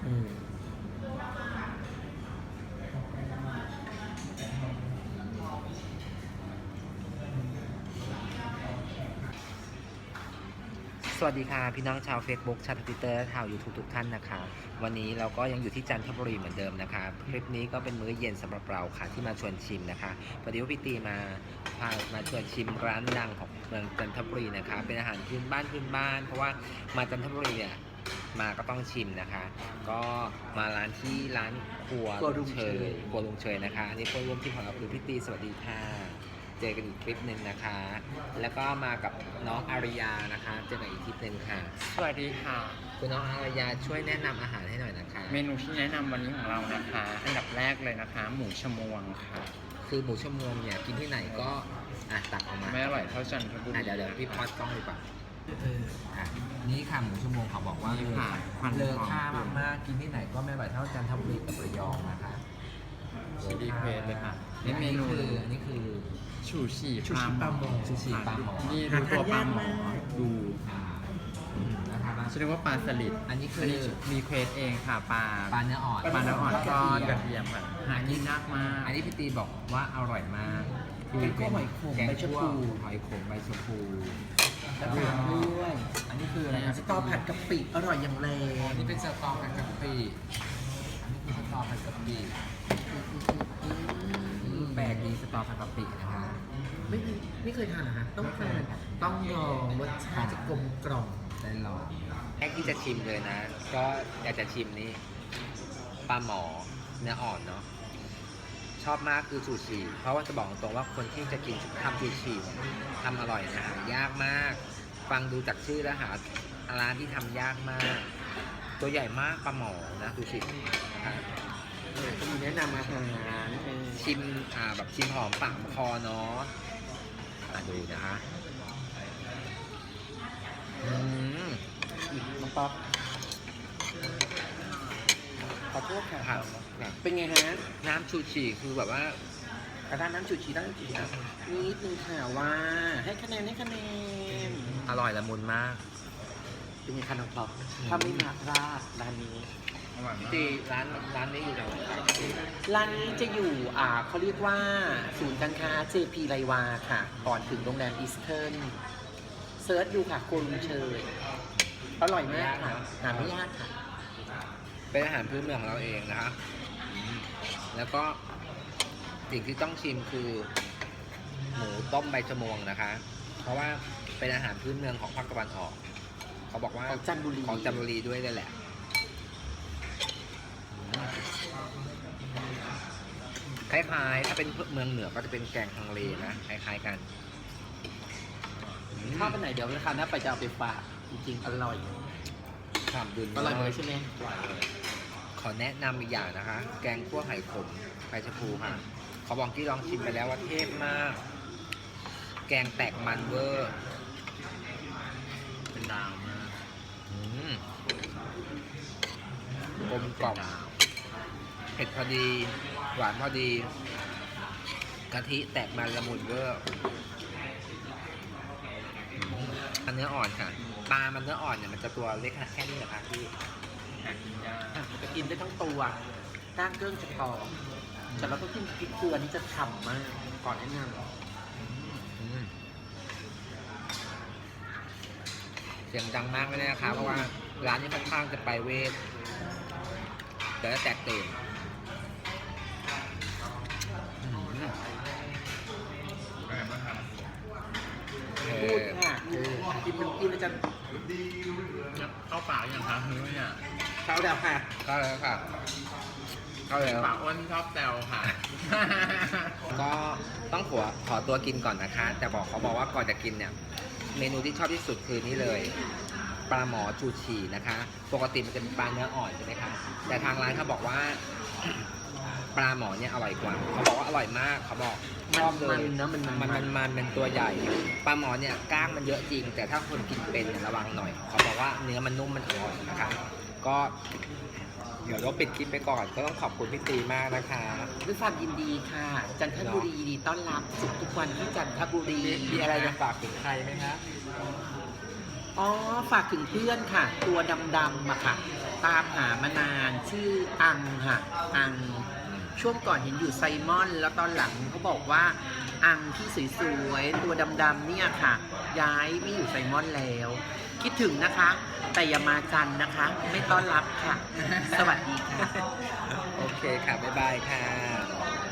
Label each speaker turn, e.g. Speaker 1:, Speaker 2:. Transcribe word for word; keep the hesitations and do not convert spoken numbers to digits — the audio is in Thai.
Speaker 1: อืม
Speaker 2: สวัสดีค่ะพี่น้องชาว Facebook ชาว Twitter และชาว YouTube ทุกท่านนะคะวันนี้เราก็ยังอยู่ที่จันทบุรีเหมือนเดิมนะคะคลิปนี้ก็เป็นมื้อเย็นสำหรับเราค่ะที่มาชวนชิมนะคะพอดีว่าพี่ตีมาพามาชวนชิมร้านดังของเมืองจันทบุรีนะคะเป็นอาหารพื้นบ้านพื้นบ้านเพราะว่ามาจันทบุรีเนี่ยมาก็ต้องชิมนะคะ ก็มาร้านที่ร้านครัวลุงเชยครัวลุงเชยนะคะอันนี้คนร่วมทีมของเราคือพี่ตีสวัสดีค่ะเจอกันอีกคลิปหนึ่งนะคะ แล้วก็มากับน้องอาริยานะคะเจอกันอีกคลิปหนึ่งค่ะ
Speaker 1: สวัสดีค่ะ
Speaker 2: คุณน้องอาริยาช่วยแนะนำอาหารให้หน่อยนะคะ
Speaker 1: เมนูที่แนะนำวันนี้ของเรานะคะ อันดับแรกเลยนะคะ หมูชมวงค่ะ
Speaker 2: คือหมูชั่วโมงเนี่ยกินที่ไหนก็อ่ะตักออกมา
Speaker 1: ไม่อร่อยเท่าจันทบุรี
Speaker 2: อ่ะเดี๋ยวเดี๋ยวพี่พอดกล้องดีกว่าอ่ะนี่ค่ะหมูชั่วโมงเขาบอกว่า
Speaker 1: นี่ค่ะควัน
Speaker 2: เลอ
Speaker 1: หอม
Speaker 2: ค่ามากๆกินที่ไหนก็ไม่อร่อยเท่าจันทบุรีกับระยองนะคะ
Speaker 1: ดีเควสเลยค่ะ
Speaker 2: นี่
Speaker 1: นี่
Speaker 2: เม
Speaker 1: เม
Speaker 2: นู
Speaker 1: นู
Speaker 2: คืออันนี้คือ
Speaker 1: ชูชี
Speaker 2: ชูชีปลาหมอชูชีปลาหมอ
Speaker 1: นี่ดูตัวปลาหมอดู
Speaker 2: อ่าอืมนะคะ
Speaker 1: ฉันเรียกว่าปลาสลิด
Speaker 2: อันนี้คือ
Speaker 1: อันนี้มีเควสเองค่ะปลา
Speaker 2: ปลาเนื้ออ่อน
Speaker 1: ปลาเนื้ออ่อนทอดกระ
Speaker 2: เทียม
Speaker 1: เทียมค่ะหากินยากมาก
Speaker 2: อันนี้พี่ตีบอกว่าอร่อยมากคือ
Speaker 1: แกงคั่วหอยขม
Speaker 2: แกง
Speaker 1: ใบชะ
Speaker 2: คั่ว
Speaker 1: พู
Speaker 2: หอยขมใบชะพู
Speaker 3: ตามด้วย
Speaker 2: อันนี้คืออะไร
Speaker 3: สตอผัดกะปิอร่อยอย่างแร
Speaker 2: อั
Speaker 3: ง
Speaker 2: นนี้เป็นสตอผัดกะปิอันนี้คือสตอผัดกะปิอืมแปลกดีสตอผัดกะปินะคะ
Speaker 3: ไม่มีไม่เคยทานเหรอฮะต้องทานต้องลองรสชาติจะกลมกล่อม
Speaker 2: ได้ลองแรกที่จะชิมเลยนะ ก็อยากจะชิมนี่ปลาหมอเนื้ออ่อนเนาะชอบมากคือซูชิเพราะว่าจะบอกตรงว่าคนที่จะกินทำซูชิทำอร่อยนะหายากมาก ฟังดูจากชื่อแล้วหาร้านที่ทำยากมาก ตัวใหญ่มากปลาหมอนะซูชินะคะ
Speaker 3: เออก็มีแนะนำอาหารเออ
Speaker 2: ชิมอ่าแบบชิมหอมปากคอเนาะอ่ะดูนะคะอืม
Speaker 3: น้องป๊อปขอโทษค่ะ
Speaker 2: ครับครับ
Speaker 3: เป็นไงฮะ
Speaker 2: น้ำชูชีคือแบบว่า
Speaker 3: กระด้านน้ำจูชีด้านจูชีนิดนึงค่ะว่า ให้คะแนนให้คะแนน
Speaker 2: อร่อยละมุนมาก
Speaker 3: เป็นไงคะน้องป๊อปถ้าไม่มาพลาดร้านนี้
Speaker 1: อร่อยมาก
Speaker 2: ที่ร้านร้านนี้อยู่ตรงไหนครับ
Speaker 3: ร้านนี้จะอยู่อ่าเขาเรียกว่าศูนย์การค้า เจ พี ไรวาค่ะ ก่อนถึงโรงแรมอีสเทิร์นเซิร์ชดูค่ะโกลุงเชย อร่อยมากค่ะหาไม่ยากค่ะ
Speaker 2: เป็นอาหารพื้นเมืองของเราเองนะคะแล้วก็สิ่งที่ต้องชิมคือหมูต้มใบชะมวงนะคะ เพราะว่าเป็นอาหารพื้นเมืองของภาคตะวันออก เขาบอกว่า
Speaker 3: ของจันทบุรี
Speaker 2: ของจันทบุรีด้วยเลยแหละคล้ายๆถ้าเป็นเมืองเหนือก็จะเป็นแกงฮังเลนะคล้ายๆกันอืม
Speaker 3: ถ้าไปไหนเดี๋ยวราคาหน้าไปจะเอาไปฝากจริงๆอร่อย
Speaker 2: ฉ่ำดุล
Speaker 3: อร่อยเลยใช่ไหม
Speaker 2: อร่อยเลย ขอแนะนำอีกอย่างนะคะ แกงคั่วไข่ขมไข่ชะพูค่ะเขาบอกที่ลองชิมไปแล้วว่าเทพมาก แกงแตกมันเวอร์
Speaker 1: เป็นดาวมาก
Speaker 2: อืมกลมกล่อมเผ็ดพอดี หวานพอดีกะทิแตกมันละมุนเวอร์อืมอันเนื้ออ่อนค่ะปลามันเนื้ออ่อนเนี่ยมันจะตัวเล็กแค่นี้เหรอคะพี่
Speaker 1: หากินยาก
Speaker 3: อ่ะมันจะกินได้ทั้งตัวก้างเกิ้งจะกรอบแต่เราต้องกินพริกเกลือนี่จะฉ่ำมากก่อนแนะน
Speaker 2: อืมเสียงดังมากเลยนะคะเพราะว่าร้านนี้ค่อนข้างจะไปเวทแต่ละแตกตื่นอืม
Speaker 1: อร่อยมากครับ
Speaker 2: เอ
Speaker 3: ำพูด
Speaker 2: อ
Speaker 3: ค่ะกินมันกินแล้วจะ
Speaker 1: เข้าปากยังคะเฮ้ยอ่ะ
Speaker 3: เข้าแล้วค่ะ
Speaker 2: เข้าแล้วค่ะเข้าแล้ว
Speaker 1: ปากอ้วนชอบแซวค่ะ
Speaker 2: ก็ต้องขอขอตัวกินก่อนนะคะ แต่บอกเขาบอกว่าก่อนจะกินเนี่ย เมนูที่ชอบที่สุดคือนี่เลย ปลาหมอชูชีนะคะ ปกติมันจะเป็นปลาเนื้ออ่อนใช่ไหมคะแต่ทางร้านเขาบอกว่า ปลาหมอเนี่ยอร่อยกว่าเขาบอกว่าอร่อยมากเขาบอกชอบเลย
Speaker 3: มันๆนะมันๆ
Speaker 2: มันมันมันเป็นตัวใหญ่ ปลาหมอเนี่ยกล้างมันเยอะจริง แต่ถ้าคนกินเป็นเนี่ยระวังหน่อยเขาบอกว่าเนื้อมันนุ่มมันอร่อยนะคะก็เดี๋ยวเราปิดคลิปไปก่อนก็ต้องขอบคุณพี่ตีมากนะคะ
Speaker 3: ด้วยความยินดีค่ะ จันทบุรียินดีต้อนรับสุขทุกวันที่จันทบุรี
Speaker 2: มีอะไรจะฝากถึงใครไหมคะ
Speaker 3: อ๋อฝากถึงเพื่อนค่ะ ตัวดำๆอะค่ะ ตามหามานานชื่ออังค่ะอังช่วงก่อนเห็นอยู่ไซมอน แล้วตอนหลังเขาบอกว่าอังที่สวยๆตัวดำๆเนี่ยค่ะ ย้ายไม่อยู่ไซมอนแล้ว คิดถึงนะคะ แต่อย่ามาจันทร์นะคะ ไม่ต้อนรับค่ะ สวัสดีค่ะ
Speaker 2: โอเคค่ะ บ๊ายบายค่ะ